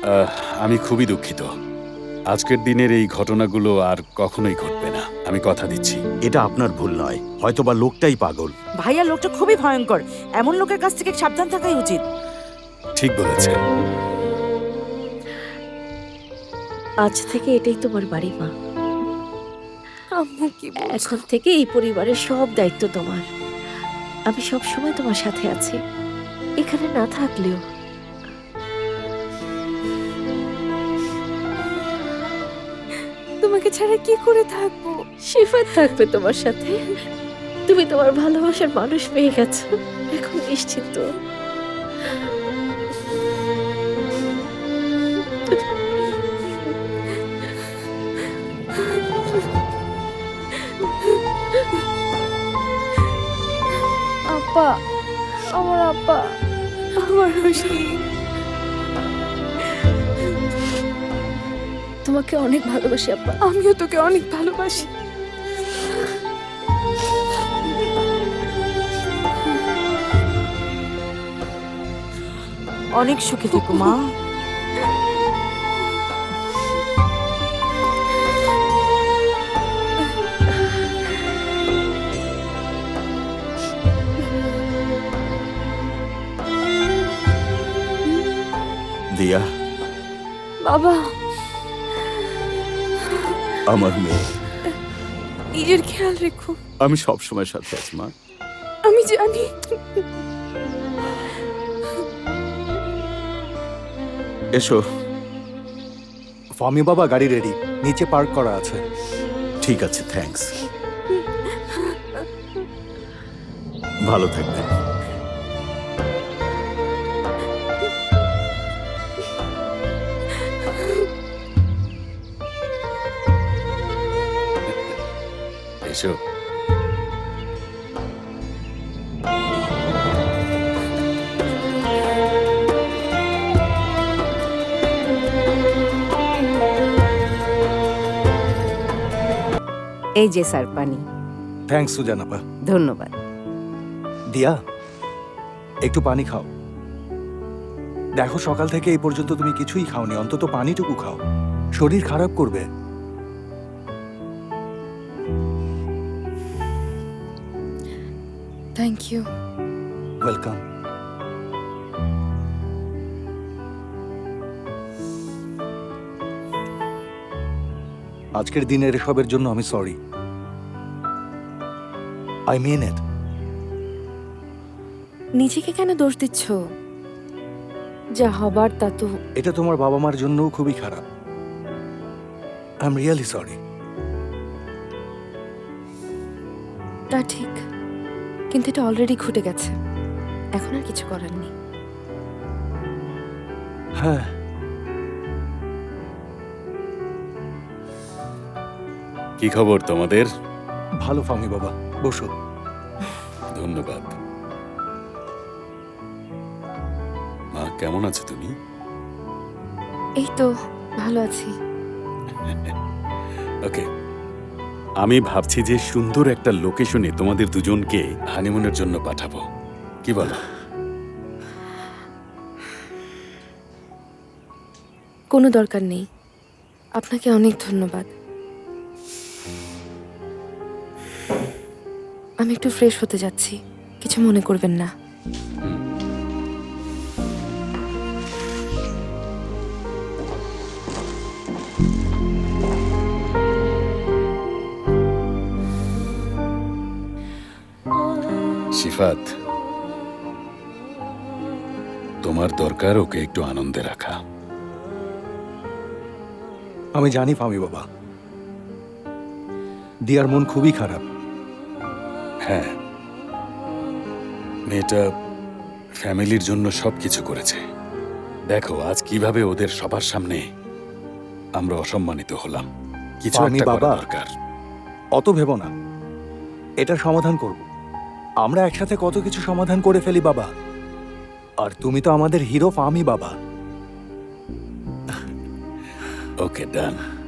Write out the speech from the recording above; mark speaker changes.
Speaker 1: আমি খুবই দুঃখিত। আজকের দিনের এই ঘটনাগুলো আর কখনোই ঘটবে না, আমি কথা দিচ্ছি।
Speaker 2: এটা আপনার ভুল নয়, হয়তোবা লোকটাই পাগল।
Speaker 3: ভাইয়া লোকটা খুবই ভয়ঙ্কর, এমন লোকের কাছ থেকে সাবধান থাকাই উচিত।
Speaker 1: ঠিক বলেছেন।
Speaker 4: আজ থেকে এটাই তোমার বাড়ি মা।
Speaker 5: আম্মু কি বলছো?
Speaker 4: এখন থেকে এই পরিবারের সব দায়িত্ব তোমার। আমি সব সময় তোমার সাথে আছি, এখানে না থাকলেও।
Speaker 5: তোমাকে ছাড়া কি করে থাকবো?
Speaker 4: শিফাত থাকবে তোমার সাথে। তুমি তোমার ভালোবাসার মানুষ পেয়ে গেছো, এখন নিশ্চিন্ত।
Speaker 5: আব্বা, আমার আব্বা, আমার রশি,
Speaker 4: তোমাকে অনেক ভালোবাসি আব্বা।
Speaker 5: আমিও তোকে অনেক ভালোবাসি।
Speaker 3: অনেক সুখে থেকো মা।
Speaker 2: দিয়া,
Speaker 5: বাবা,
Speaker 2: আমার মেয়ে,
Speaker 5: নিজের খেয়াল রেখো।
Speaker 2: আমি সবসময় সাথে আছি মা।
Speaker 5: আমি জানি।
Speaker 2: এসো।
Speaker 6: ফামি বাবা, গাড়ি রেডি, নিচে পার্ক করা আছে।
Speaker 2: ঠিক আছে, থ্যাঙ্কস। ভালো থাকবেন।
Speaker 1: এসো।
Speaker 3: এই যে স্যার পানি।
Speaker 6: থ্যাঙ্কস সুজান আপা।
Speaker 3: ধন্যবাদ।
Speaker 6: দিয়া, একটু পানি খাও। দেখো, সকাল থেকে এই পর্যন্ত তুমি কিছুই খাওনি, অন্তত পানিটুকু খাও, শরীর খারাপ করবে।
Speaker 5: Thank you.
Speaker 6: ওয়েলকাম। আজকের দিনের এসবের জন্য আমি সরি। আই মিন ইট।
Speaker 5: নিজেকে কেন দোষ দিচ্ছ? যা হবার তা তো।
Speaker 6: এটা তোমার বাবা মার জন্যও খুবই খারাপ। I am really sorry.
Speaker 5: তা ঠিক, কিন্তু এটা অলরেডি ঘটে গেছে, এখন আর কিছু করার নেই।
Speaker 6: হ্যাঁ,
Speaker 1: কি খবর তোমাদের?
Speaker 6: ভালো ফামি বাবা, বসো।
Speaker 1: ধন্যবাদ। মা, কেমন আছো তুমি?
Speaker 5: এই তো ভালো আছি।
Speaker 1: ওকে, আমি ভাবছি যে সুন্দর একটা লোকেশনে তোমাদের দুজনকে হানিমুনের জন্য পাঠাবো, কি বলো?
Speaker 5: কোনো দরকার নেই, আপনাকে অনেক ধন্যবাদ। আমি একটু ফ্রেশ হতে যাচ্ছি, কিছু মনে করবেন না।
Speaker 1: শিফাত, তোমার দরকার ওকে একটু আনন্দে রাখা।
Speaker 6: আমি জানি ফামি বাবা, দিয়ার মন খুবই খারাপ।
Speaker 1: হ্যাঁ, মেয়েটা ফ্যামিলির জন্য সবকিছু করেছে। দেখো আজ কিভাবে ওদের সবার সামনে আমরা অসম্মানিত হলাম। কিছু
Speaker 6: আমি
Speaker 1: একটা করা
Speaker 6: বাবা।
Speaker 1: দরকার।
Speaker 6: অত ভেবো না, এটার সমাধান করব। আমরা একসাথে কত কিছু সমাধান করে ফেলি বাবা। আর তুমি তো আমাদের হিরো ফামি বাবা।
Speaker 1: ওকে, ডান।